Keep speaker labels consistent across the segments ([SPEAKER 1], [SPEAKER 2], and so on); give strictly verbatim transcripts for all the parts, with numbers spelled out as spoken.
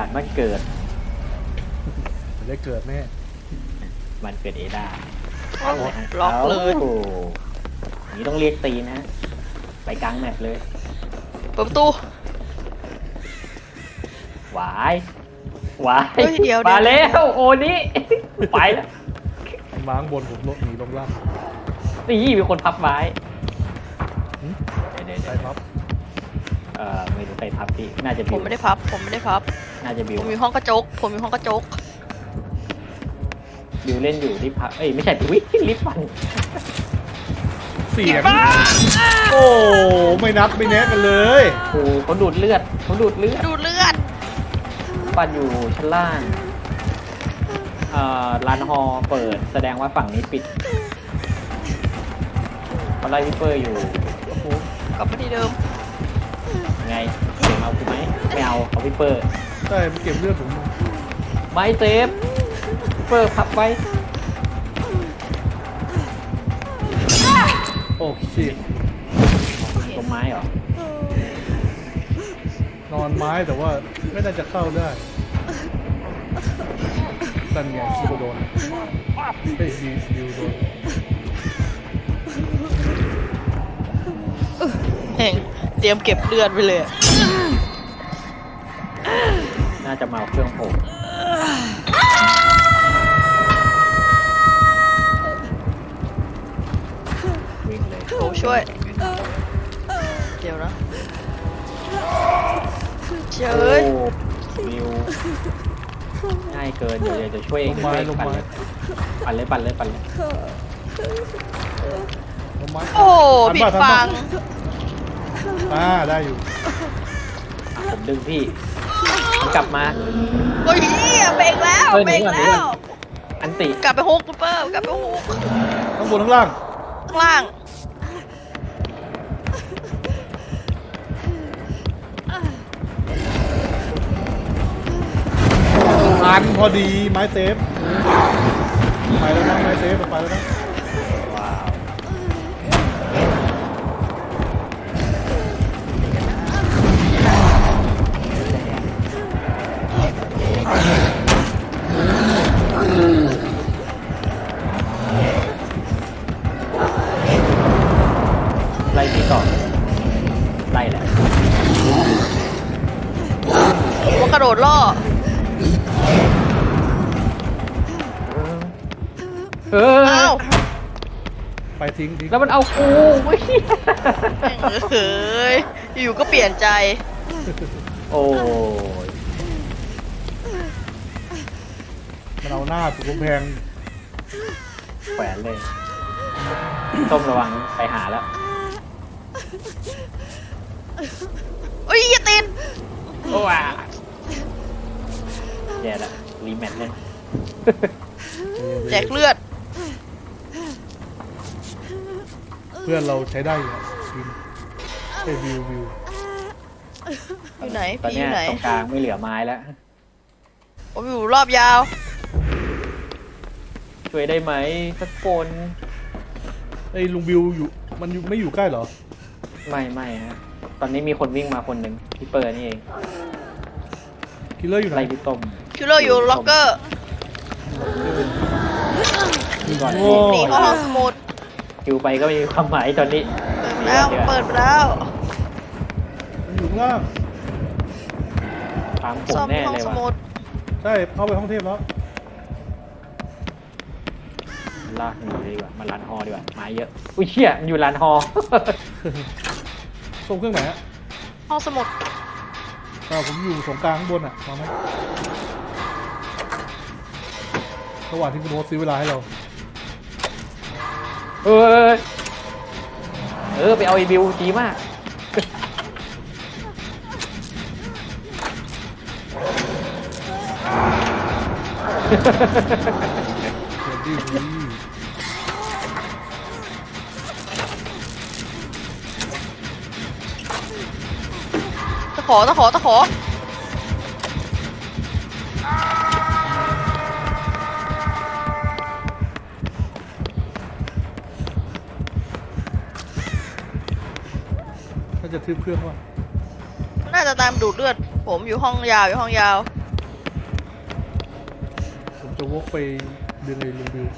[SPEAKER 1] นมันเกิด
[SPEAKER 2] ได้เกิดแน่
[SPEAKER 1] มันเกิดเอดา
[SPEAKER 3] ล็อกเลย
[SPEAKER 1] โอ้นี่ต้องเรียกตีนะไปกลางแมปเลย
[SPEAKER 3] เปิดประตู
[SPEAKER 1] หวายหวาย
[SPEAKER 3] เดี๋ยว
[SPEAKER 1] มาแล้วโอ้นี่ไปแล้ว
[SPEAKER 2] ม้างบนผมลดหนีลงล่าง
[SPEAKER 1] นี่มีคนพับไว้
[SPEAKER 2] ใครพับ
[SPEAKER 1] เอ่อไม่รู้ใครพับพี่น่าจะบิว
[SPEAKER 3] ผมไม่ได้พับผมไม่ได้พับ
[SPEAKER 1] น่าจะบิว
[SPEAKER 3] ผมมีห้องกระจกผมมีห้องกระจก
[SPEAKER 1] บิวเล่นอยู่ที่พับเอ้ยไม่ใช่วิลิฟต์มัน
[SPEAKER 2] เสียงโอ้ไม่นับไม่แนะกันเลย
[SPEAKER 1] โอ้เขาดูดเลือดเขาดูดเลือด
[SPEAKER 3] ดูดเลือด
[SPEAKER 1] ปั่นอยู่ชั้นล่างเอ่อร้านฮอเปิดแสดงว่าฝั่งนี้ปิดเขาไล่วิปเปอร์อยู่โอ้โห
[SPEAKER 3] กลับมาที่เดิม
[SPEAKER 1] ไงเก็บเอาคุณไหมไม่เอาเอาวิปเปอร์
[SPEAKER 2] ใช่เก็บเลือดผม
[SPEAKER 1] ไม่เซฟวิปเปอร์พับไว้
[SPEAKER 2] โอ้ชิต
[SPEAKER 1] ต้นไม้เหร
[SPEAKER 2] อนอนไม้แต่ว่าไม่น่าจะเข้าได้ตันไงคิวโดนเฮ้ยดิวดิวโดน
[SPEAKER 3] แห่งเตรียมเก็บเลือดไปเลย
[SPEAKER 1] น่าจะมาเครื่องผมวิ่งเลย
[SPEAKER 3] โอ้ช่วยเดี๋ยวนะเฉย
[SPEAKER 1] วิวง่ายเกินเดี๋ยวจะช่วยเองเลยปั่นเลยปั่นเลยปั่นเลย
[SPEAKER 3] โอ้ผิดฟัง
[SPEAKER 2] อ่าได้อยู่
[SPEAKER 1] ผมดึงพี่กลับมา
[SPEAKER 3] โอ้ยเบรกแล้วเบรกแล้ว
[SPEAKER 1] อันติ
[SPEAKER 3] กลับไปฮุกเปิ้ลกลับไปฮุก
[SPEAKER 2] ข้างบนข้างล่าง
[SPEAKER 3] ข้างล่าง
[SPEAKER 2] อันพอดีไม้เซฟไปแล้วนะไม้เซฟไปแล้วนะ
[SPEAKER 1] ว้าวไล่ที่ก่อนไล่แหละ
[SPEAKER 3] ว่ากระโดดล่อ
[SPEAKER 1] เออ
[SPEAKER 2] ไปทิ้งทิ้ง
[SPEAKER 1] แล้วมันเอากูเว้ย
[SPEAKER 3] เฮ้ยอยู่ก็เปลี่ยนใจ
[SPEAKER 1] โอ้ย
[SPEAKER 2] มันเอาหน้าถูกกำแพง
[SPEAKER 1] แขวนเลยต้มระวังไปหาแล้ว
[SPEAKER 3] โอ้ยอย่าติด
[SPEAKER 1] โอ้ว้าแย่ละรีแมทเลย
[SPEAKER 3] แจกเลือด
[SPEAKER 2] เพื่อนเราใช้ได้อยู่ทีมเอวิววิว
[SPEAKER 3] อยู่ไหน
[SPEAKER 1] ตอนนี้ตรงกลางไม่เหลือไม้แล้ว
[SPEAKER 3] ผมอยู่รอบยาว
[SPEAKER 1] ช่วยได้ไหมสักคน
[SPEAKER 2] ไอ้ลุงบิวอยู่มันอยู่ไม่อยู่ใกล้เหรอ
[SPEAKER 1] ไม่ไม่ฮะตอนนี้มีคนวิ่งมาคนหนึ่งพี่เปิร์นี่เอง
[SPEAKER 2] คิลเลอร์อยู่ไหน
[SPEAKER 1] ไล่พี่ต้ม
[SPEAKER 3] คิลเลอร์อยู่ล็อกเกอร์
[SPEAKER 1] หนีเข้า
[SPEAKER 3] ห้องสมุด
[SPEAKER 1] คิวไปก็ไม่มีความหมายตอนนี้
[SPEAKER 3] แล้วเปิดแล้ว
[SPEAKER 2] อยู่ข้างล่าง
[SPEAKER 1] ตามผมแน่เลยว่ะ
[SPEAKER 2] ใช่เข้าไปห้องเทพแล้ว
[SPEAKER 1] ลากหนีดีกว่ามาร้านฮอดีกว่าไม้เยอะอุ้ยเชี่ยมันอยู่ร้านฮอ
[SPEAKER 2] ส่งเครื่องไหนฮะ
[SPEAKER 3] ห้องสมุด
[SPEAKER 2] เราผมอยู่ตรงกลางข้างบนอ่ะมาไหมระหว่างที่คุณโมซื้อเวลาให้เรา
[SPEAKER 1] เออเออไปเอาไอ้บิวดีมาก
[SPEAKER 2] ดีดี
[SPEAKER 3] ตะขอตะขอตะขอ
[SPEAKER 2] น่าจะทึบเครื่องว่ะ
[SPEAKER 3] น่าจะตามดูดเลือดผมอยู่ห้องยาวอยู่ห้องยาว
[SPEAKER 2] จะวกไปดึงไอ้ลุงบิว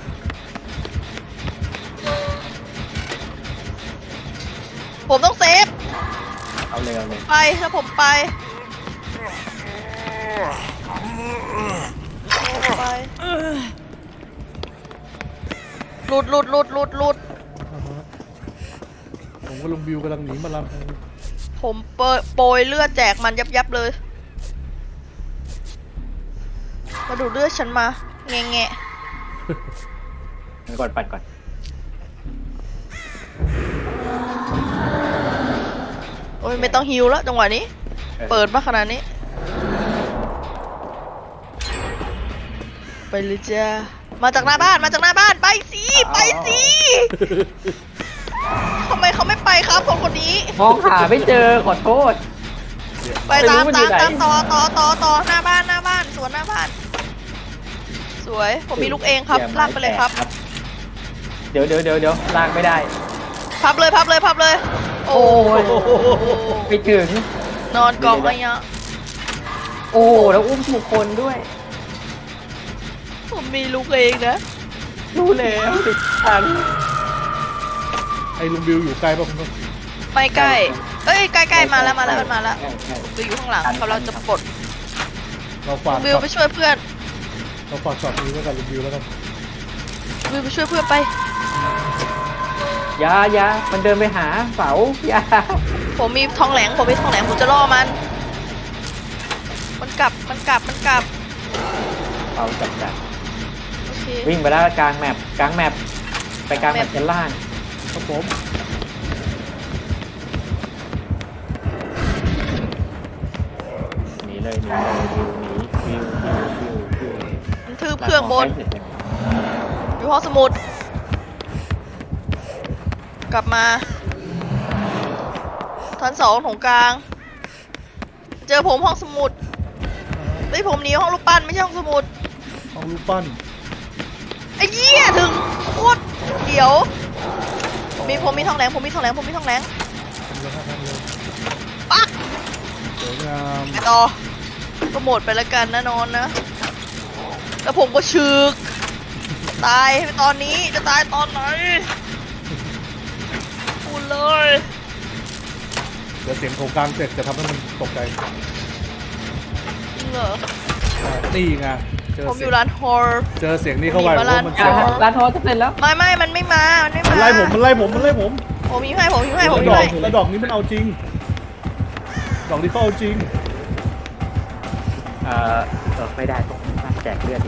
[SPEAKER 3] ผมต้องเซฟ
[SPEAKER 1] เอาเลยเอาเลย
[SPEAKER 3] ไปถ้าผมไปไปหลุดหลุดหลุดหลุดหลุด
[SPEAKER 2] อ่าฮะผมกับลุงบิวกำลังหนีมาลำทางนี้
[SPEAKER 3] ผมเปรโปรยเลือดแจกมันยับยับเลย มาดูดเลือดฉันมาแงะแงะ
[SPEAKER 1] งั้นก่อนปัดก่อน
[SPEAKER 3] โอ้ยไม่ต้องฮิวแล้วจังหวะนี้ เปิดมาขนาดนี้ ไปเลยจ้ามาจากหน้าบ้านมาจากหน้าบ้านไปสิไปสิทำไมเขาไม่ไปครับคนคนนี้
[SPEAKER 1] มองหาไม่เจอขอโทษ
[SPEAKER 3] ไปตาม
[SPEAKER 1] ไม่รู้
[SPEAKER 3] ตาม
[SPEAKER 1] มันอยู่ไหน
[SPEAKER 3] ตามต่อต่อต่อต่อหน้าบ้านหน้าบ้านสวนหน้าบ้าน สวยผมมีลูกเองครับ
[SPEAKER 1] สีไม้
[SPEAKER 3] ลากไปเลยครับ
[SPEAKER 1] แตกเดี๋ยวเดี๋ยวเดี๋ยวเดี๋ยวลากไม่ได้
[SPEAKER 3] พับเลยพับเลยพับเลย โอ้
[SPEAKER 1] โอ้ยไปถึง
[SPEAKER 3] นอนกองอะไรเงี้ย
[SPEAKER 1] โอ้แล้วอุ้มถูกคนด้วย
[SPEAKER 3] ผมมีลูกเองนะ
[SPEAKER 1] รู้แล้วติดทัน
[SPEAKER 2] ไอ้ลุงบิวอยู่ไกลป่ะคุณผู้ชม
[SPEAKER 3] ไม่ใกล้เอ้ยใกล้ใกล้มาแล้วมาแล้วมันมาแล้ว
[SPEAKER 1] ใช่ใช่
[SPEAKER 3] บิวอยู่ข้างหลังเขาเราจะปลด
[SPEAKER 2] เราฝาก
[SPEAKER 3] บิวไปช่วยเพื่อน
[SPEAKER 2] เราฝากช็อตนี้ไว้กับลุงบิวแล้วกัน
[SPEAKER 3] บิวไปช่วยเพื่อนไป
[SPEAKER 1] อยาอยามันเดินไปหาเสาอยา
[SPEAKER 3] ผมมีทองแหลงผมมีทองแหลงผมจะล่อมัน มันกลับมันกลับมันกลับ
[SPEAKER 1] เสาจับจับ
[SPEAKER 3] โอเค
[SPEAKER 1] วิ่งไปแล้วกลางแมปกลางแมปไปกลางแมปชั้นล่าง
[SPEAKER 2] ครับผม
[SPEAKER 1] หนีเลยหนีเลยวิวหนีวิววิววิววิว
[SPEAKER 3] มันทืบเครื่องบนอยู่ห้องสมุด กลับมาชั้นสองของกลาง เจอผมห้องสมุดเฮ้ยผมหนีห้องรูปปั้นไม่ใช่ห้องสมุด
[SPEAKER 2] เอาลูกปั้น
[SPEAKER 3] ไอ้เหี้ยถึงโคตรเดี๋ยวผมมีผมมีทองแหลงผมมีทองแหลงผมมีทองแหลง
[SPEAKER 2] ทำเลยครับทำเลย
[SPEAKER 3] ปัก
[SPEAKER 2] สวยงาม
[SPEAKER 3] ไปต่อก็หมดไปแล้วกันนะนอนนะ แล้วผมก็ชึก ตายไปตอนนี้จะตายตอนไหนพูดเลย
[SPEAKER 2] เดี๋ยวเสียงโถงกลางเสร็จจะทำให้มันตกใจ
[SPEAKER 3] จริงเหรอ
[SPEAKER 2] นี่ไงเจอ
[SPEAKER 3] ผมอ
[SPEAKER 2] เสีย
[SPEAKER 3] ยู่
[SPEAKER 2] ง
[SPEAKER 3] ร้านฮอร์
[SPEAKER 2] เจอเสียงนี้เข้าไป
[SPEAKER 3] มี
[SPEAKER 2] เพ
[SPEAKER 3] มา
[SPEAKER 2] ราะว่ามัน
[SPEAKER 3] ร้าน
[SPEAKER 2] เสียง
[SPEAKER 1] ร้านทอจะเสร็จแล้ว
[SPEAKER 3] ไม่ไม่มันไม่มา มันไม่
[SPEAKER 2] มั
[SPEAKER 3] มา
[SPEAKER 2] นไล่ผมมันไล่ผมมันไล่ผม
[SPEAKER 3] ผมมีให้ผมมีให้ผมมี
[SPEAKER 2] แล้วดอก
[SPEAKER 3] ให้
[SPEAKER 2] แล้วดอกนี้มันเอาจริง ดอกนี้เขาเอาจริง
[SPEAKER 1] เอ่อเออไม่ได้ต้องมาแจกเลือดอีก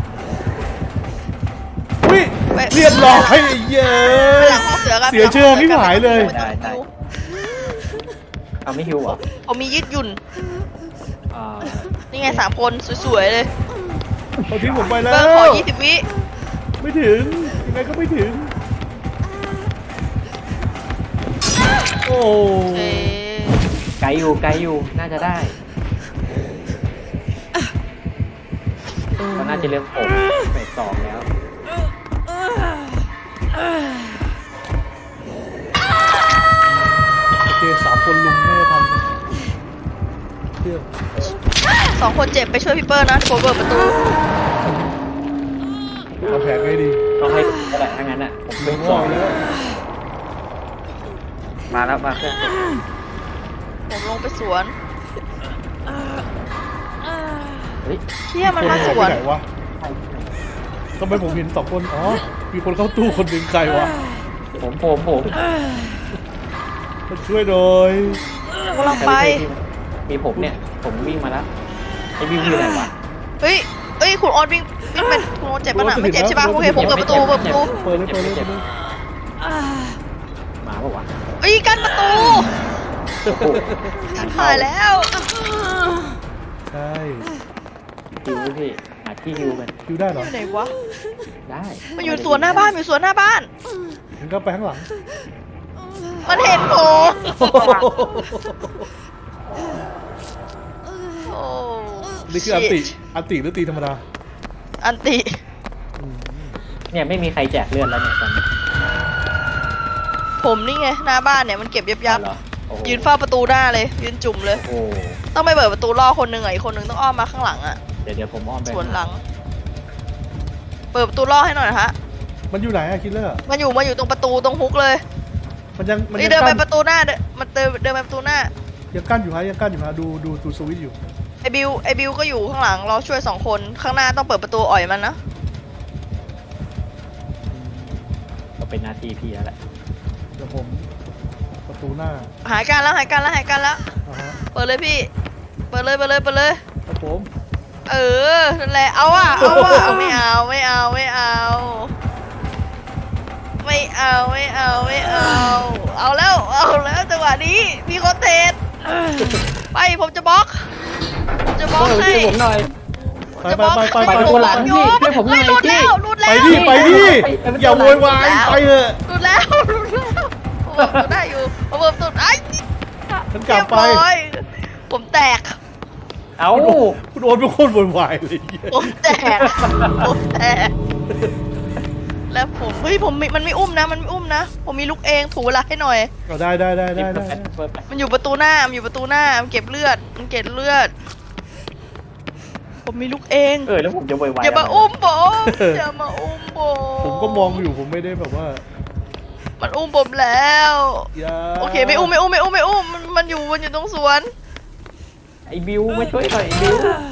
[SPEAKER 2] อุ้ยเรียบร้อยเย้
[SPEAKER 3] ไปหลังห้องเสือกัน
[SPEAKER 2] เสียเชื่อที่หายเลย
[SPEAKER 1] ได้ได้เอาไม่ฮิวเหรอ
[SPEAKER 3] ผมมียืดหยุ่น
[SPEAKER 1] เอ่อ
[SPEAKER 3] นี่ไงสามคนสวยๆเลย
[SPEAKER 2] เขาทิ้งผมไปแล้
[SPEAKER 3] เบิ
[SPEAKER 2] ว
[SPEAKER 3] ร์ขอยี่สิบวิ
[SPEAKER 2] ไม่ถึงยังไงก็ไม่ถึง โอ้
[SPEAKER 3] เอ๊ะ
[SPEAKER 1] ไกลอยู่ไกลอยู่น่าจะได้ก็น่าจะเลือกผมเฟสสองแล้ว
[SPEAKER 2] โอเคสามคนลุมไม่ได้ทันเชื่อ
[SPEAKER 3] สองคนเจ็บไปช่วยพี่เปิ้ลนะโคเบิร์ประตู
[SPEAKER 2] ทำแผนไงดี
[SPEAKER 1] ต้องให้ผมก็แหละถ้างั้นอ่ะผม
[SPEAKER 2] ลุ
[SPEAKER 1] เฟ
[SPEAKER 2] ง
[SPEAKER 1] สส
[SPEAKER 2] ง่
[SPEAKER 1] อ
[SPEAKER 2] ว
[SPEAKER 1] ง
[SPEAKER 2] งแล้ว
[SPEAKER 1] มาแล้วมาเครื่อง
[SPEAKER 3] ผมลงไปสวน
[SPEAKER 1] เฮ้ย
[SPEAKER 3] เชี่ยมัน
[SPEAKER 2] คน
[SPEAKER 3] มา
[SPEAKER 2] หา
[SPEAKER 3] ส
[SPEAKER 2] ยไป
[SPEAKER 3] วน
[SPEAKER 2] ไหนวะทำไมผมเห็นสองคน อ๋อ มีคนเข้าตู้คนหนึ่งใครวะ
[SPEAKER 1] ผมผมผม
[SPEAKER 2] มาช่วยโดย
[SPEAKER 3] กำลังไป
[SPEAKER 1] มีผมเนี่ยผมวิ่งมาแล้วไอ้วิวอยู่ไหนวะ
[SPEAKER 3] เฮ้ยเฮ้ยคุณออสวิ่งวิ่งไปคุณออสเจ็บปะหนักไม่เจ็บใช่ปะโอเคผมเปิดประตูเปิดประตู
[SPEAKER 2] เปิดเลยเปิดเลยเปิดเลย
[SPEAKER 1] มาปะวะ
[SPEAKER 3] เฮ้ยกั้นประตู
[SPEAKER 1] โอ้โห
[SPEAKER 3] หายแล้ว
[SPEAKER 2] ใช่
[SPEAKER 1] ฮิวพี่หาที่ฮิวกัน
[SPEAKER 2] คิวได้เหร
[SPEAKER 3] อ
[SPEAKER 2] อยู่
[SPEAKER 3] ไหนวะ
[SPEAKER 1] ได้
[SPEAKER 3] มันอยู่สวนหน้าบ้านอยู่สวนหน้าบ้าน
[SPEAKER 2] งั้นก็ไปข้างหลัง
[SPEAKER 3] มันเห็นผม โอ้
[SPEAKER 2] นี่คืออันติ
[SPEAKER 3] shit
[SPEAKER 2] อันติหรือตีธรรมดา
[SPEAKER 3] อันติ
[SPEAKER 2] อืม
[SPEAKER 1] เนี่ยไม่มีใครแจกเลือดแล้วเนี่ยตอนนี้
[SPEAKER 3] ผมนี่ไงหน้าบ้านเนี่ยมันเก็บยับยับ
[SPEAKER 1] เหรอโอ้โห
[SPEAKER 3] ยืนเฝ้าประตูหน้าเลย ยืนจุ่มเลย
[SPEAKER 1] โอ้โห
[SPEAKER 3] ต้องไปเปิดประตูล่อคนหนึ่งอ่ะอีกคนหนึ่งต้องอ้อมมาข้างหลังอ่ะ
[SPEAKER 1] เดี๋ยวเดี๋ยวผมอ้อมไป
[SPEAKER 3] สวนหลังเปิดประตูล่อให้หน่อยนะฮะ
[SPEAKER 2] มันอยู่ไหนอะคิลเลอร์
[SPEAKER 3] มันอยู่มาอยู่ตรงประตูตรงฮุกเลย
[SPEAKER 2] มันยังมัน
[SPEAKER 3] นี่
[SPEAKER 2] ยัง
[SPEAKER 3] เดินไป
[SPEAKER 2] กั้น
[SPEAKER 3] ประตูหน้าเดินมันเดินเดินไปประตูหน้า
[SPEAKER 2] ยังกั้นอยู่ฮะยังกั้นอยู่ฮะดูดูดูสวิตช์อยู่
[SPEAKER 3] ไอบิวไอบิวก็อยู่ข้างหลังเราช่วยสองคนข้างหน้าต้องเปิดประตูอ่อยมันนะ
[SPEAKER 1] ก็เป็นหน้าที่พี่แล้วแหละ
[SPEAKER 2] เดี๋ยวผมประตูหน้า
[SPEAKER 3] หายกันแล้วหายกันแล้วหายกันแล้ว
[SPEAKER 2] อ่าฮะ
[SPEAKER 3] เปิดเลยพี่เปิดเลยเปิดเลยเปิดเลย
[SPEAKER 2] ครับผม
[SPEAKER 3] เออนั่นแหละเอาอะเอาอะเอาไม่เอาไม่เอาไม่เอา ไม่เอาไม่เอาไม่เอา เอาแล้วเอาแล้วจังหวะนี้มีคอนเทนต์ไปผมจะบล็อกผมจะบล็อก
[SPEAKER 1] ช่วย
[SPEAKER 3] ให้
[SPEAKER 1] ผมหน่อย
[SPEAKER 2] ไปไปไปไป
[SPEAKER 1] ไป
[SPEAKER 2] ไป
[SPEAKER 1] ไปคนหลัง พี่ช่วยผมหน่อย
[SPEAKER 3] เฮ้หลุด
[SPEAKER 1] พี่
[SPEAKER 3] แล้วหลุด
[SPEAKER 2] ไป
[SPEAKER 3] แล้ว
[SPEAKER 2] ดิไปดิ
[SPEAKER 1] ไปไปไป
[SPEAKER 2] อย่าโวยวายไปเถอะ
[SPEAKER 3] หลุดแล้วหลุดแล้วผมเปิดประตูได้อยู่ผมเปิดประตูไอ้
[SPEAKER 2] ฉันกลับไป
[SPEAKER 3] เรียร้อยผมแตก
[SPEAKER 1] เอ้า
[SPEAKER 2] คุณโอนเป็นคนโวยวายเลย
[SPEAKER 3] ผมแตกผมแตกแล้วผมเฮ้ยผมมีมันไม่อุ้มนะ มันไม่อุ้มนะ ผมมีลูกเองถูเวลาให้หน่อย
[SPEAKER 2] เอาได้ได้ได้ได้ได้
[SPEAKER 1] เปิดไป
[SPEAKER 3] มันอยู่ประตูหน้า มันอยู่ประตูหน้า มันเก็บเลือด มันเก็บเลือด ผมมีลูกเอง
[SPEAKER 1] เออแล้วผมจะโวยวาย
[SPEAKER 3] อย่ามาอุ้มผมอย่ามาอุ้มผม
[SPEAKER 2] ผมก็มองอยู่ผมไม่ได้แบบว่า
[SPEAKER 3] มันอุ้มผมแล้ว
[SPEAKER 2] อย่า
[SPEAKER 3] โอเคไม่อุ้มไม่อุ้มไม่อุ้มไม่อุ้มมันมันอยู่มันอยู่ตรงสวน
[SPEAKER 1] ไอ้บิวมาช่วยหน่อยไอ้บิว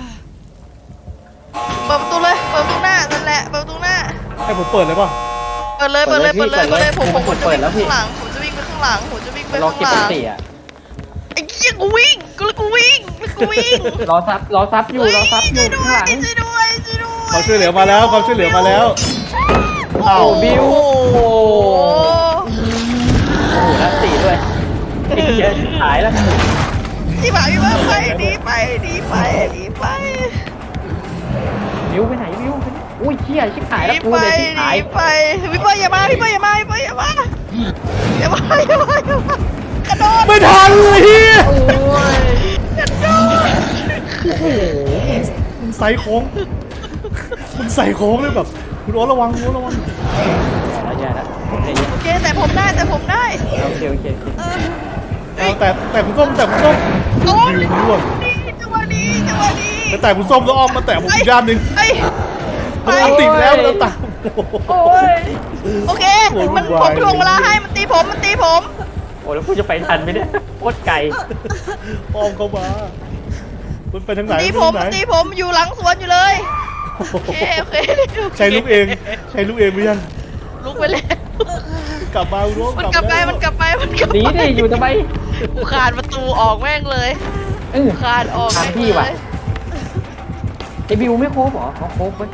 [SPEAKER 3] เปิดประตูเลยเปิดประตูหน้านั่นแหละเปิดประตูหน้า
[SPEAKER 2] ให้ผมเปิดเลยป่ะ
[SPEAKER 3] เปิดเลยเปิดเลยเปิดเลยเปิดเลยผมผมผมจะวิ่งไปข้างหลังผมจะวิ่งไปข้างหลังผมจะวิ่งไป
[SPEAKER 1] รอ
[SPEAKER 3] ข้าง
[SPEAKER 1] เก็บ
[SPEAKER 3] หลัง
[SPEAKER 1] เสีย
[SPEAKER 3] ไอ้เหี้ยกูวิ่งกูเลยกูวิ่งกูวิ่ง
[SPEAKER 1] รอซับรอซับอยู่รอซับอยู่
[SPEAKER 3] ช่วย
[SPEAKER 1] ข้างหลัง
[SPEAKER 3] ด้วยช่วยด้วยช่วยด้วย
[SPEAKER 2] ความช่วยเหลือมาแล้วความช่วยเหลือมาแล้ว
[SPEAKER 1] โอ้
[SPEAKER 2] อ้าว
[SPEAKER 1] บิว
[SPEAKER 3] โอ้โห
[SPEAKER 1] โอ้โหนัดสี่ด้วยไอ้เหี้ยหายแล้ว
[SPEAKER 3] ที่บ่าวพี่ว่าไปหนีไปหนีไปหนีไป
[SPEAKER 1] บิวไปไหนบิวไปไหนอุ้ยเชี่ยชิบหาย
[SPEAKER 3] ห
[SPEAKER 1] แล้ว
[SPEAKER 3] นี
[SPEAKER 1] กู
[SPEAKER 3] ไป
[SPEAKER 1] เลยชิบ
[SPEAKER 3] ห
[SPEAKER 1] หา
[SPEAKER 3] นี
[SPEAKER 1] ย
[SPEAKER 3] ไปพี่เปิ้ลอย่ามาพี่เปิ้ลอย่ามาพี่เปิ้ลอย่ามาอย่ามาอย่ามาอย่ามากระโดด
[SPEAKER 2] ไม่ทันเลยเฮีย
[SPEAKER 1] โอ้ย
[SPEAKER 3] กระโดด
[SPEAKER 2] โอ้โหมึงใส่โค้งมึงใส่โค้งเลยแบบคุณโอ๊ตระวังคุณโอ๊ตระวัง
[SPEAKER 1] แล้วแย่แล้วไอ้เหี้ย
[SPEAKER 3] โอเคแต่ผมได้แต่ผมได้
[SPEAKER 1] โอเคโอเค
[SPEAKER 2] เอาแต่แต่คุณส้มแต่คุณส้ม
[SPEAKER 3] โอ้ย
[SPEAKER 2] ดิวร่วง
[SPEAKER 3] นี่จังหวะนี้จังหวะนี้
[SPEAKER 2] แต่แต่คุณส้มแล้วอ้อมมาแตะผมอีกด้านหนึ่ง
[SPEAKER 3] ไอ้
[SPEAKER 2] มันเอาติดแล้วมันเอาตาม
[SPEAKER 1] โอ้ย
[SPEAKER 3] โอเคมันผมถ่วงเวลาให้มันตีผมมันตีผม
[SPEAKER 1] โอ้แล้วกูจะไปทันไหมเนี่ยโคตรไกล
[SPEAKER 2] อ้อมเข้ามามันไปทางไหน
[SPEAKER 3] ตี
[SPEAKER 2] ไป
[SPEAKER 3] ผม
[SPEAKER 2] ทางไหน
[SPEAKER 3] ตีผมอยู่หลังสวนอยู่เลยโอเคโอเค
[SPEAKER 2] ใช้ลูกเองใช้ลูกเองหรือยัง
[SPEAKER 3] ลุกไปแล้ว
[SPEAKER 2] กลับมาคุณโอ๊ต
[SPEAKER 3] มันกลับไป
[SPEAKER 2] แล้ว
[SPEAKER 3] มันกลับไปมันกลับ
[SPEAKER 1] หนี
[SPEAKER 3] ไป
[SPEAKER 1] ดิอยู่ทำไม
[SPEAKER 3] กูคานประตูออกแม่งเลย
[SPEAKER 1] เออ
[SPEAKER 3] คานออก
[SPEAKER 1] ทางพี่ว่ะไอ้บิวไม่โคบเหรอเขาโคบไว้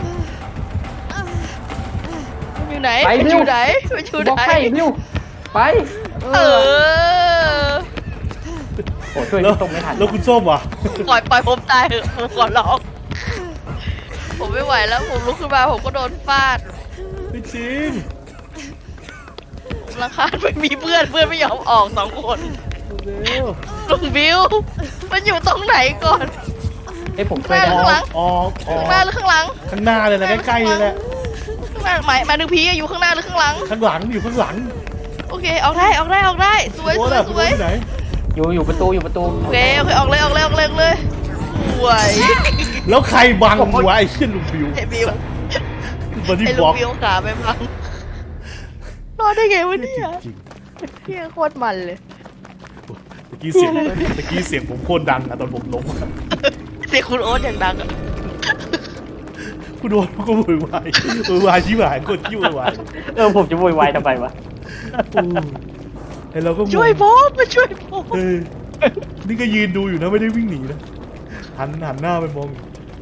[SPEAKER 3] มันอยู่ไหน
[SPEAKER 1] ไป
[SPEAKER 3] มัน
[SPEAKER 1] บิ
[SPEAKER 3] อ
[SPEAKER 1] ว
[SPEAKER 3] ยู่ไหนมันอยู่
[SPEAKER 1] บอก
[SPEAKER 3] ไหน
[SPEAKER 1] ให้บิวไป
[SPEAKER 3] เออ
[SPEAKER 1] โอ้ช่วย
[SPEAKER 2] แล้ว
[SPEAKER 1] ตรงไม่ทัน
[SPEAKER 2] แล้วคุณส้มวะ
[SPEAKER 3] ปล่อยปล่อยผมตายเถอะผมขอร้องผมไม่ไหวแล้วผมลุกขึ้นมาผมก็โดนฟาด
[SPEAKER 2] ไม่จริง
[SPEAKER 3] ผมรังคาญไม่มีเพื่อนเพื่อนไม่ยอมออกสองคน
[SPEAKER 2] เร็ว
[SPEAKER 3] ลุงบิวมันอยู่ตรงไหนก่อน
[SPEAKER 1] ไอ้ยผมช่วย
[SPEAKER 3] แม่
[SPEAKER 1] ได้
[SPEAKER 3] ข้างหลัง
[SPEAKER 2] ออกออก
[SPEAKER 3] ข้างหน้าหรือข้างหลัง
[SPEAKER 2] ข้างหน้าเลยนะใกล้ๆเลยแหละ
[SPEAKER 3] ข้างหน้าหมายหมายถึงผีอะอยู่ข้างหน้าหรือข้างหลัง
[SPEAKER 2] ข้างหลังอยู่ข้างหลัง
[SPEAKER 3] โอเคออกได้ออกได้ออกได้สวย
[SPEAKER 2] โอ้
[SPEAKER 3] สวย
[SPEAKER 2] ล่ะ
[SPEAKER 3] ส
[SPEAKER 2] คุณ
[SPEAKER 3] วย
[SPEAKER 2] โอ๊ตอยู่ไหน
[SPEAKER 1] อยู่อยู่ประตูอยู่ประตู
[SPEAKER 3] โอเคโอเคออกเลยออกเลยออกเลยออกเลยสวย
[SPEAKER 2] แล้วใครบังวะไอ้เชี่ยลุงบิว
[SPEAKER 3] ไอ้บิว
[SPEAKER 2] บอดี้
[SPEAKER 3] ไอ้
[SPEAKER 2] บ
[SPEAKER 3] ลู
[SPEAKER 2] ล็
[SPEAKER 3] ก
[SPEAKER 2] อก
[SPEAKER 3] บิวขาไม่พังรอดได้ไงวะเนี่ย
[SPEAKER 2] จริง
[SPEAKER 3] เที่ยโคตรมันเลย
[SPEAKER 2] ๆตะกี้เสียงตะกี้เสียงผมโคตรดังอะตอนผมล้มอะ
[SPEAKER 3] เสียงคุณโอ๊ตอย่างดังอะ
[SPEAKER 2] คุณโดนก็วุ่นวายวุ่นวายชิบหายกดยิ้ววาย
[SPEAKER 1] เออผมจะโวยวายทำไมวะ
[SPEAKER 2] ไอเราก็งง
[SPEAKER 3] ช่วยผมมาช่วยผม
[SPEAKER 2] เออนี่ก็ยืนดูอยู่นะไม่ได้วิ่งหนีนะหันหันหน้าไปมอง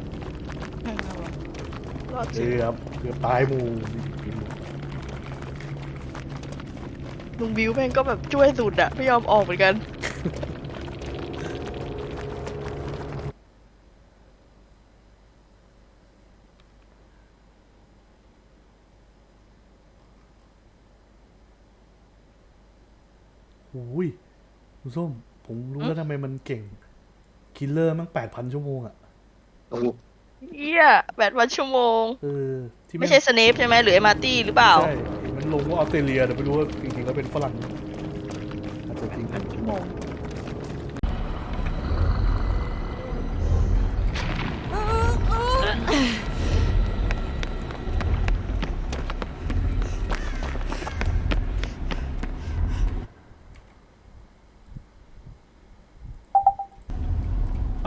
[SPEAKER 3] รอด
[SPEAKER 2] เอ
[SPEAKER 3] สิ
[SPEAKER 2] อครับเกือบตายหมู
[SPEAKER 3] ลุงบิวแม่งก็แบบช่วยสุดอะไม่ยอมออกเหมือนกัน
[SPEAKER 2] โอ้ยคุณส้มผมรู้แล้วทำไมมันเก่งคิลเลอร์มั่งแปดพันชั่วโมงอะ
[SPEAKER 1] โอ้โห
[SPEAKER 3] เหี้ยแปดวันชั่วโมง
[SPEAKER 2] เออที่น
[SPEAKER 3] ไม่ใช่สเนปใช่ไหมหรือเอมาร์ตี้หรือเปล่า
[SPEAKER 2] ใช่มันลงว่าออสเตรเลียแต่ไม่รู้ว่าจริงๆแล้วเป็นฝรั่งอาจจะจริง
[SPEAKER 3] ชั่วโมง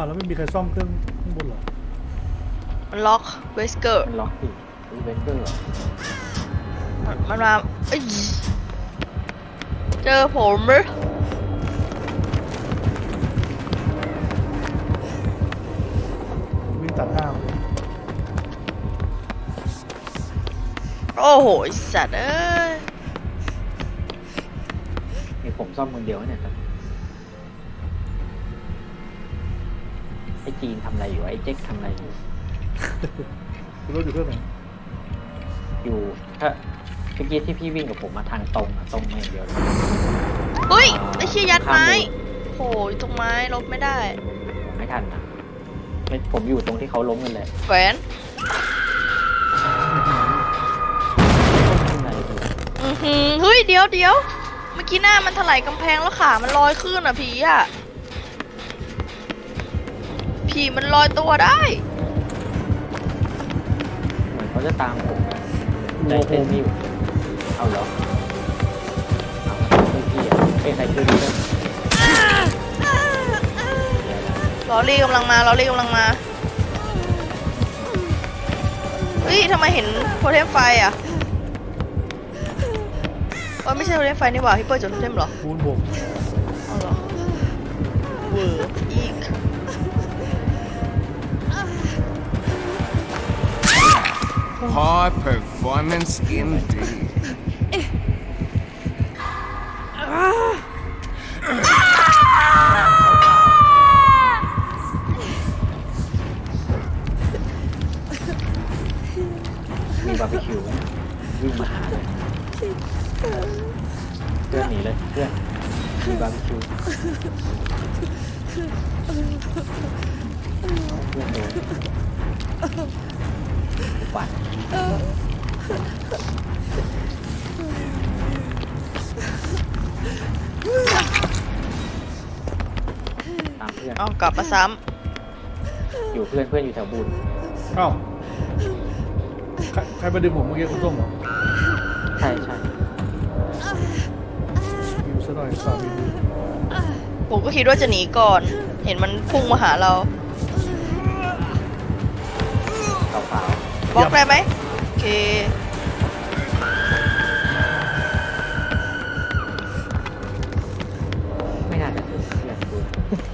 [SPEAKER 2] าวแล้วไม่มีใครซ่อมเครื่องข้างบนเหรอ
[SPEAKER 3] มันล็อกเวสเกอร์
[SPEAKER 1] มันล็อกอยู่อีเวนเกอร์
[SPEAKER 3] มันมาเอ้ยเจอผมหรือ
[SPEAKER 2] วิ่งตัดหน้าผม
[SPEAKER 3] โอ้โหไอ้สัตว์เอ้ย
[SPEAKER 1] มีผมซ่อมคนเดียวเนี่ยครับไอ้จีนทำอะไรอยู่ไอ้เจ๊กทำอะไรอยู่
[SPEAKER 2] คุณรถอยู่เครื่องไหน
[SPEAKER 1] อยู่ถ้าเมื่อกี้ที่พี่วิ่งกับผมมาทางตรงอะตรงมาอย่างเดียวเลย
[SPEAKER 3] เฮ้ยไอ้เชี่ยยัดไม้โอ้ยตรงไม้ลบไม่ได้
[SPEAKER 1] ผมไม่ทันนะไม่ผมอยู่ตรงที่เขาล้มกันเลย
[SPEAKER 3] แขวน
[SPEAKER 1] ข้างในอยู่
[SPEAKER 3] อือหือเฮ้ยเดี๋ยวเดี๋ยวเมื่อกี้หน้ามันถลายกำแพงแล้วขามันลอยขึ้นอ่ะผีอ่ะผีมันลอยตัวได้
[SPEAKER 1] เหมือนเขาจะตามผมอะใจเต้นไม่อยู่เอาเหรอเอาไม่พี่อะเป็นใครช่วยพี่ด้วย
[SPEAKER 3] ลอรี่กำลังมาลอรี่กำลังมาเฮ้ยทำไมเห็นโทเทมไฟอ่ะเออไม่ใช่โทเทมไฟนี่หว่าพี่เปิ้ลจุดโทเทมเหรอ
[SPEAKER 2] ปูนบก
[SPEAKER 3] เอาเหรอเวอร์อีก
[SPEAKER 4] High performance indeed.
[SPEAKER 1] มีบาร์บีคิวไหมวิ่งมาหาเลยเพื่อนหนีเลยเพื่อนมีบาร์บีคิวเพื่อนโดนปัดตามเพื่อน
[SPEAKER 3] เอากลับมาซ้
[SPEAKER 1] อยู่เพื่อนเพื่อนอยู่แถวบุญ
[SPEAKER 2] เอ้าใครใครมาดึงผมเมื่อกี้คุณส้มเหรอ
[SPEAKER 1] ใช่ใช่
[SPEAKER 2] ยิวซะหน่อยสามี
[SPEAKER 3] ำผมก็คิดว่าจะหนีก่อน เห็นมันพุ่งมาหาเรา
[SPEAKER 1] ขาวขาว
[SPEAKER 3] บล็อกได้ไหมโอเค
[SPEAKER 1] ๆไม่น่าจะถึงเพื่อนบุญ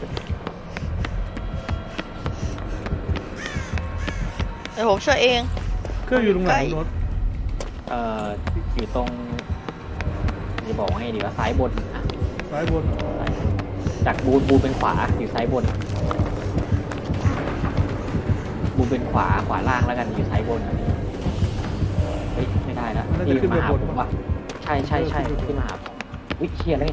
[SPEAKER 3] เดี๋ยวผมช่วยเอง
[SPEAKER 2] เครื่องอยู่ตรงไหนคุณรถ
[SPEAKER 1] เอ่ออยู่ตรงจะบอกว่าไงดีว่าซ้ายบนอ่ะ
[SPEAKER 2] ซ้ายบนเหรอ
[SPEAKER 1] ซ้ายบนจากบูนบูนเป็นขวาอยู่ซ้ายบนบูนเป็นขวาขวาล่างแล้วกันอยู่ซ้ายบนเฮ้ยไม่ได้แล้วที่มาหาผมว่ะใช่ใช่ใช่ที่มาหาผมวิเชียเลย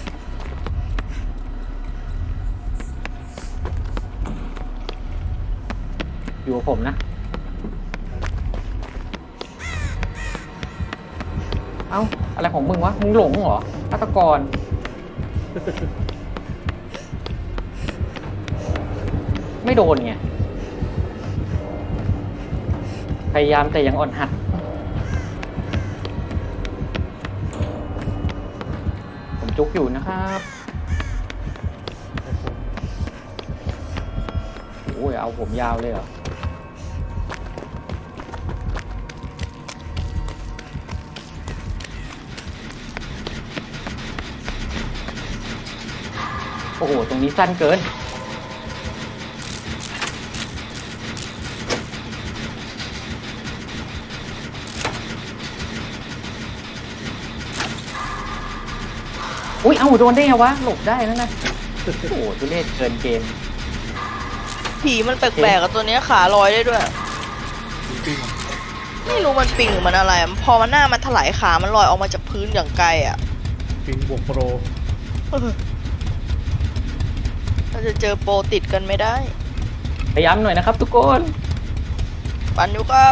[SPEAKER 1] อยู่กับผมนะเอ้าอะไรของมึงวะมึงหลงเหรอฆาตกร ไม่โดนไงพยายามแต่ยังอ่อนหัดผมจุกอยู่นะครับโอ้ยเอาผมยาวเลยเหรอโอ้โห ตรงนี้สั้นเกิน อุ้ย เอ้า โดนได้ไงวะ หลบได้นั่นนะ โอ้โหทุเรศเกินเกม
[SPEAKER 3] ผีมันแปลกๆกับตัวเนี้ยขาลอยได้ด้วย
[SPEAKER 2] ปิ้งๆอะ
[SPEAKER 3] ไม่รู้มันปิงหรือมันอะไร พอมันหน้ามันถลายขามันลอยออกมาจากพื้นอย่างไกลอ่ะ
[SPEAKER 2] ปิ้งบวกโปร
[SPEAKER 3] เราจะเจอโปรติดกันไม่ได้
[SPEAKER 1] พยายามหน่อยนะครับทุกคน
[SPEAKER 3] ปันอยู่ครับ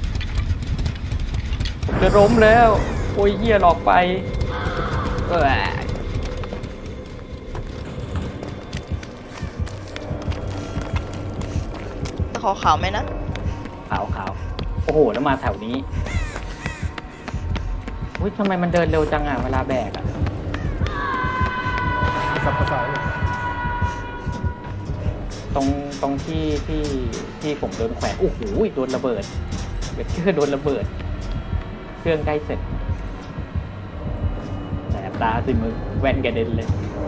[SPEAKER 1] ผมจะล้มแล้ว โอ้ยเหี้ยหลอกไปเออ
[SPEAKER 3] ขอขาวไหมนะ
[SPEAKER 1] ขาวขาวโอ้โห แล้วมาแถวนี้ อุ้ยทำไมมันเดินเร็วจังอ่ะ เวลาแบกอ่ะ
[SPEAKER 2] กระสับกระส่ายเลย
[SPEAKER 1] ตตรงตรงที่ที่ที่ผมโดนแขวนโอ้โหโดนระเบิดเบเกอร์โดนระเบิด เครื่องใกล้เสร็จแสบตาสิมึงแว่นกระเด็นเลย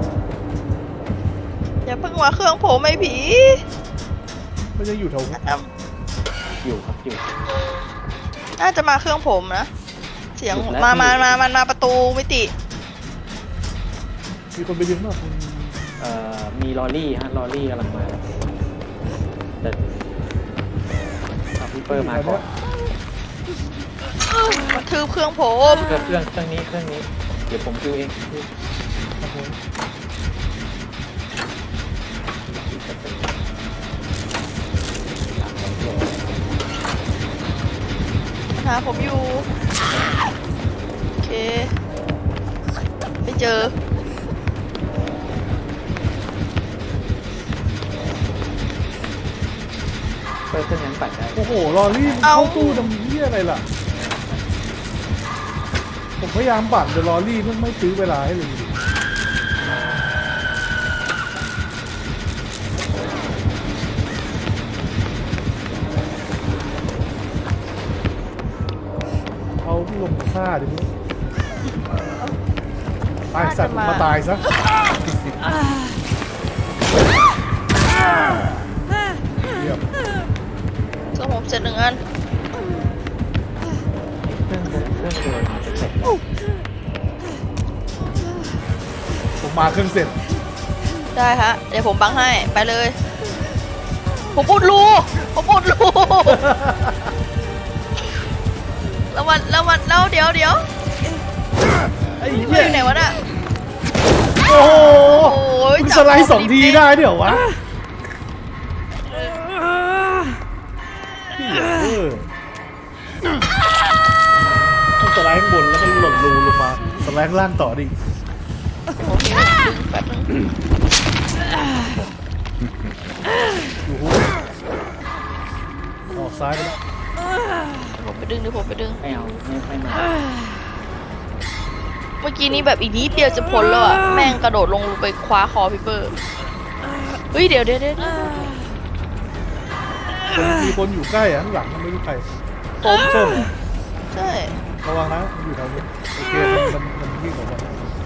[SPEAKER 3] อย่าเพิ่งมาเครื่องผมไอ้ผี
[SPEAKER 2] ไม่ได้อยู่แถว
[SPEAKER 3] อ่ะ
[SPEAKER 1] อยู่ครับอยู่
[SPEAKER 3] น่าจะมาเครื่องผมนะ เสียง
[SPEAKER 1] หยุดแล้ว
[SPEAKER 3] มา
[SPEAKER 1] พี่
[SPEAKER 3] มามามันมาประตูมิติ
[SPEAKER 2] มีคนไปดึงป่ะ
[SPEAKER 1] เอ่อมีลอรี่ฮะลอรี่กำลังมาแต่เอาพี่เปอร์มาก่อน
[SPEAKER 3] กระทืบเครื่องผม
[SPEAKER 1] เครื่องเครื่องเครื่องนี้เครื่องนี้เดี๋ยวผมคิวเอง
[SPEAKER 2] ครับผม
[SPEAKER 3] หาผมอยู่ โอเค ไม่เจอ
[SPEAKER 1] เปอร์เครื่องนั้นปัดได้
[SPEAKER 2] โอ้โหลอรี่มัน
[SPEAKER 3] เอา
[SPEAKER 2] เข้าตู้ทำเหี้ยอะไรล่ะ ผมพยายามปั่นแต่ลอรี่มันไม่ซื้อเวลาให้เลยดิเอาที่ลงฆ่าดิมึงตายสัตว์มาตายซะเยี่ยม
[SPEAKER 3] เครื่องผมเสร็จหนึ่งอัน
[SPEAKER 1] เครื่องเดินเครื่องเดินมันจะเสร็จแล้ว
[SPEAKER 2] ผมมาเครื่องเสร็จ
[SPEAKER 3] ได้ฮะ เดี๋ยวผมบังให้ ไปเลย ผมปุดรู ผมปุดรู แล้วมันแล้วมันแล้วเดี๋ยวเดี๋ยว
[SPEAKER 2] ไอ้
[SPEAKER 3] พี่
[SPEAKER 2] เหี้ย
[SPEAKER 3] อยู่ไหนวะน่ะ
[SPEAKER 2] โอ้โห
[SPEAKER 3] โอ้ย
[SPEAKER 2] มึง
[SPEAKER 3] จับ
[SPEAKER 2] สไลด์สอง
[SPEAKER 3] ผม
[SPEAKER 2] ที
[SPEAKER 3] ดิ
[SPEAKER 2] ได้เดี๋ยววะพี่เออต้องสไลด์ข้างบนแล้วมันหล่นรูลงมา สไลด์ข้างล่างต่อดิ
[SPEAKER 3] โอเคแป๊บนึง
[SPEAKER 2] อยู่หูออกซ้ายไปแล้ว
[SPEAKER 3] เดี๋ยวผมไปดึงเดี๋ยวผมไปดึง
[SPEAKER 1] ไม่เอาไม่ไม่มา
[SPEAKER 3] เมื่อกี้นี้แบบอีกนิดเดียวจะพ้นแล้วอะแม่งกระโดดลงไปคว้าคอพี่เปอร์ เฮ้ยเดี๋ยวเดี๋ยวเดี๋ยว
[SPEAKER 2] คนมีคนอยู่ใกล้อะข้างหลังมันไม่รู้ใครต้มส้ม
[SPEAKER 3] ใช่
[SPEAKER 2] ระวังนะมันอยู่แถวนี้โอเคมันมันมันวิ่งออกมา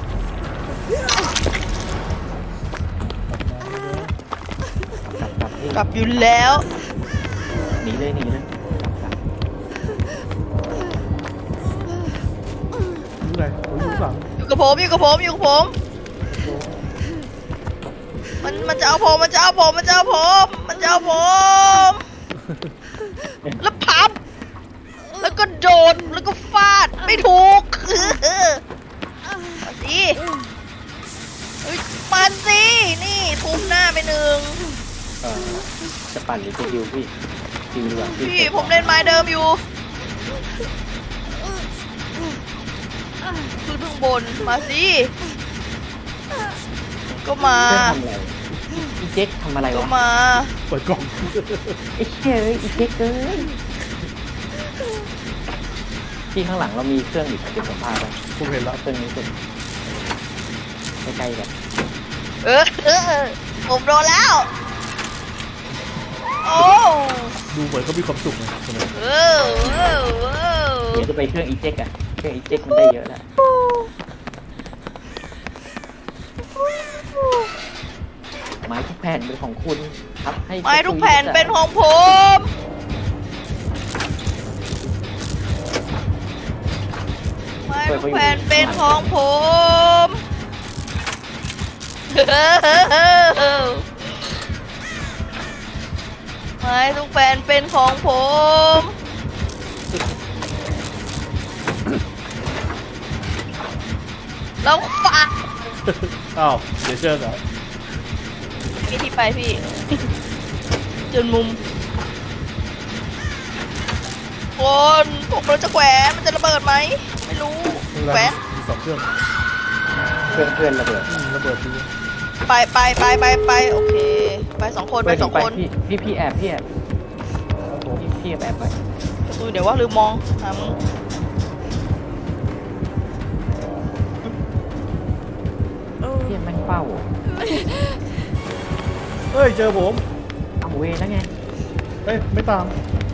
[SPEAKER 1] กลับกลับพี่
[SPEAKER 3] กลับอยู่แล้ว
[SPEAKER 1] หนีเลยหนีเลยกลับกลับ
[SPEAKER 2] อยู่ไหนผมอยู่ข้างหลัง
[SPEAKER 3] อยู่กับผมอยู่กับผมอยู่กับผม มันมันจะเอาผมมันจะเอาผมมันจะเอาผมมันจะเอาผมแล้วพับ แล้วก็โดนแล้วก็ฟาดไม่ถูกมาสิเฮ้ยมาสินี่ทุบหน้าไปหนึ่ง
[SPEAKER 1] เอ่อจะปั่นหรือจะดิวพี่ดิวดีกว่า
[SPEAKER 3] พี่ผมเล่นไม้เดิมอยู่ขึ้นข้างบนมาสิก็มา
[SPEAKER 1] เพื่อนทำอะไรอีเจ๊กทำอะไร
[SPEAKER 3] ก็
[SPEAKER 1] วะ
[SPEAKER 3] มา
[SPEAKER 2] เปิดกล่อง
[SPEAKER 1] ไอ้เชี่ยเอ้ยอีเจ๊กเอ้ยที่ข้างหลังเรามีเครื่องอีกเดี๋ยวผมพาไป
[SPEAKER 2] ผมเห็นแล้ว
[SPEAKER 1] เครื่องนี้สุดใกล้ๆกัน
[SPEAKER 3] เออเออผมโดนแล้วโอ้
[SPEAKER 2] ดูเหมือนเขามีความสุขนะคนนั้น
[SPEAKER 3] เออเออเออ
[SPEAKER 1] เดี๋ยวจะไปเครื่องอีเจ๊กอะเครื่องอีเจ๊กมันได้เยอะแล้วไม้ทุกแผ่นเป็นของคุณครับให้
[SPEAKER 3] ไม้ทุกแผ่นเป็นของผม ไม้ทุกแผ่นเป็นของผมไม้ทุกแผ่นเป็นของผมแล้วฝาก
[SPEAKER 2] อ้าวเดี๋ยวเจอกัน
[SPEAKER 3] มีที่ไปพี่ จนมุมคนผมเราจะแขวนมันจะระเบิดไหมไม่รู้แขวน
[SPEAKER 2] มีสองเครื่อง
[SPEAKER 1] เครื่องเพื่อนระเบิด
[SPEAKER 2] อืมระเบิดที
[SPEAKER 3] ไปไปไปไปไปโอเค ไปสองคนไปสองคน
[SPEAKER 1] พี่พี่พี่แอบพี่แอบ
[SPEAKER 2] ครับผม
[SPEAKER 1] พี่พี่แอบแอบไป
[SPEAKER 3] ประตูเดี๋ยวว่าลืมมองหามึง
[SPEAKER 1] พี่แม่งเป้า
[SPEAKER 2] เฮ้ยเจอผม
[SPEAKER 1] เวแล้วไง
[SPEAKER 2] เอ้ยไม่ตาม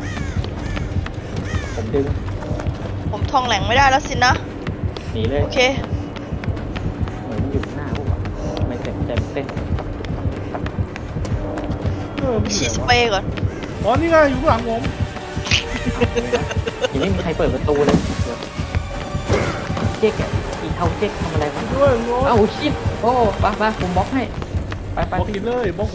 [SPEAKER 1] ผมดึง
[SPEAKER 3] ผมทองแหลงไม่ได้แล้วสินะ
[SPEAKER 1] หนีเลย
[SPEAKER 3] โอเค
[SPEAKER 1] เหมือนมันอยู่ข้างหน้าพวกเราไม่เต็มเต็มเต้น
[SPEAKER 2] เออมันอยู่
[SPEAKER 3] ฉีด
[SPEAKER 2] ไห
[SPEAKER 3] ส
[SPEAKER 2] น
[SPEAKER 3] เป
[SPEAKER 2] วะ
[SPEAKER 3] รย์ก่อน
[SPEAKER 2] อ๋อนี่ไงอยู่ข้างหลังผม
[SPEAKER 1] ยังไม่มีใครเปิดประตูเลยเดี๋ยวเจ๊กอะอีเทาเจ๊กทำอะไรวะ
[SPEAKER 2] ด้วยงง
[SPEAKER 1] เอ้าชิดโอ้ไปไปผมบล็อกให้ไปไป
[SPEAKER 2] บอกกินเลยบอกผม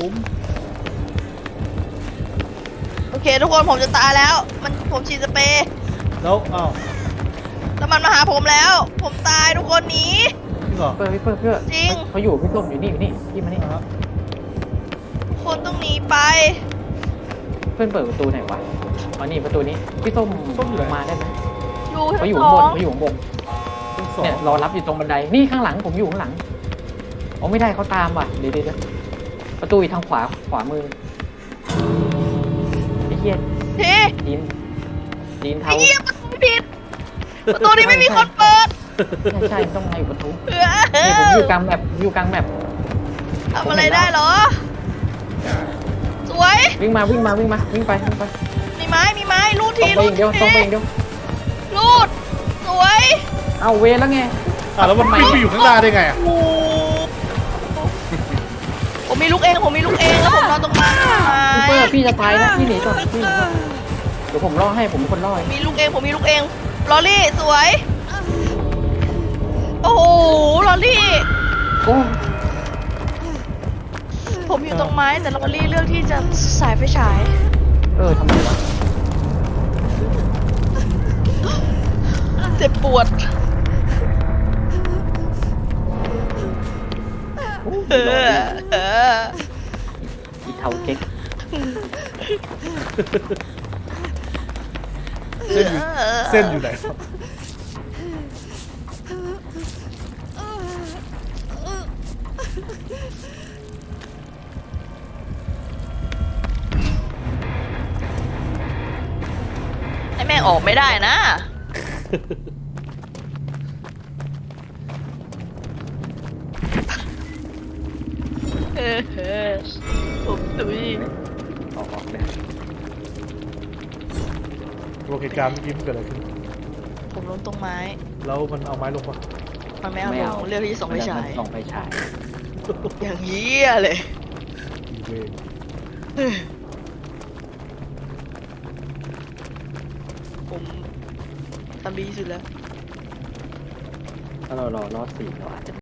[SPEAKER 3] โอเค ทุกคนผมจะตายแล้ว มันผมฉีดสเปรย์
[SPEAKER 2] แล้วอ้าว
[SPEAKER 3] แล้วมันมาหาผมแล้ว ผมตายทุกคนหนี
[SPEAKER 2] จริงเหรอ
[SPEAKER 1] เปิดเปิดเพื่อ
[SPEAKER 3] จริง
[SPEAKER 1] เขาอยู่พี่ส้มอยู่นี่อยู่นี่พี่มานี่
[SPEAKER 2] อ่ะฮะ
[SPEAKER 3] ทุกคนต้องหนีไป
[SPEAKER 1] เพื่อนเปิดประตูไหนวะอ๋อนี่ประตูนี้พี่ส้มลงมาได้ไหม
[SPEAKER 3] อยู่
[SPEAKER 1] เขา
[SPEAKER 3] ชั้น
[SPEAKER 1] อยู่
[SPEAKER 3] ส
[SPEAKER 1] ข้าง
[SPEAKER 3] อบ
[SPEAKER 1] น
[SPEAKER 3] ง
[SPEAKER 1] เขาอยู่ข้างบน
[SPEAKER 2] ชั้นสอง
[SPEAKER 1] เนี่ยรอรับอยู่ตรงบันไดนี่ข้างหลังผมอยู่ข้างหลังอ๋อไม่ได้เขาตามว่ะเดี๋ยวเดี๋ยวเดี๋ยวประตูอยู่ทางขวาขวามือไอ้เหี้ย
[SPEAKER 3] ที
[SPEAKER 1] จีนจีน
[SPEAKER 3] ไอ้
[SPEAKER 1] เทา
[SPEAKER 3] เหี้ยประตูไม่ผิดประตูนี้ไม่มีคนเปิด
[SPEAKER 1] ใช่ใช่ต้องมาอยู่ประตู
[SPEAKER 3] เอ
[SPEAKER 1] นี่ผม
[SPEAKER 3] อ
[SPEAKER 1] อยู่กลางแมปผมอยู่กลางแมป
[SPEAKER 3] ทำอะไรได้เหรอ สวย
[SPEAKER 1] วิ่งมาวิ่งมาวิ่งมาวิ่งไปวิ่งไป
[SPEAKER 3] มีไม้ มีไม้ลูด
[SPEAKER 1] ต้
[SPEAKER 3] ที
[SPEAKER 1] องไป
[SPEAKER 3] ลู
[SPEAKER 1] อ
[SPEAKER 3] ด
[SPEAKER 1] ย่างเดียว
[SPEAKER 3] ที
[SPEAKER 1] ต้องไปอย่างเดียว
[SPEAKER 3] ลูด สวย
[SPEAKER 1] เอาเวรแล้วไง
[SPEAKER 2] อ่ะแล้วมันวิ่งไปอยู่ข้างหน้าได้ไงอ่ะ
[SPEAKER 3] โอ้ผมมีลูกเอง ผมมีลูกเองแล้วผมนอนตรงไม้
[SPEAKER 1] ซูเปอร์พี่จะตายนะพี่หนีก่อนพี่หนีก่อนเดี๋ยวผมล่อให้ผมเป็นคนล่อเอง
[SPEAKER 3] มีลูกเอง ผมมีลูกเอง ลอรี่ สวย โอ้โห ลอรี่
[SPEAKER 1] โอ้
[SPEAKER 3] ผมอยู่ตรงไม้แต่ลอรี่เลือกที่จะสายไฟฉาย
[SPEAKER 1] เออทำไมวะ
[SPEAKER 3] เจ็บปวด เออเออ
[SPEAKER 1] อีเทาเก๊ก
[SPEAKER 2] เส้นอยู่เส้นอยู่ไหนวะ
[SPEAKER 3] ให้แม่งออกไม่ได้นะ เออเออผมตุย
[SPEAKER 1] ออกออกเลย
[SPEAKER 2] โลเหตุการณ์เมื่อกี้มันเกิดอะไรขึ้น
[SPEAKER 3] ผมล้มตรงไม้
[SPEAKER 2] แล้วมันเอาไม้ลงปะ
[SPEAKER 3] มันไม่เอาลงเลือกที่จะส่องไฟฉาย
[SPEAKER 1] ส่องไฟฉาย
[SPEAKER 3] อย่างเงี้ยเลย
[SPEAKER 2] อีเวน
[SPEAKER 3] ผมทำดีที่สุดแล้ว
[SPEAKER 1] ถ้าเรารอรอสี่เราอาจจะ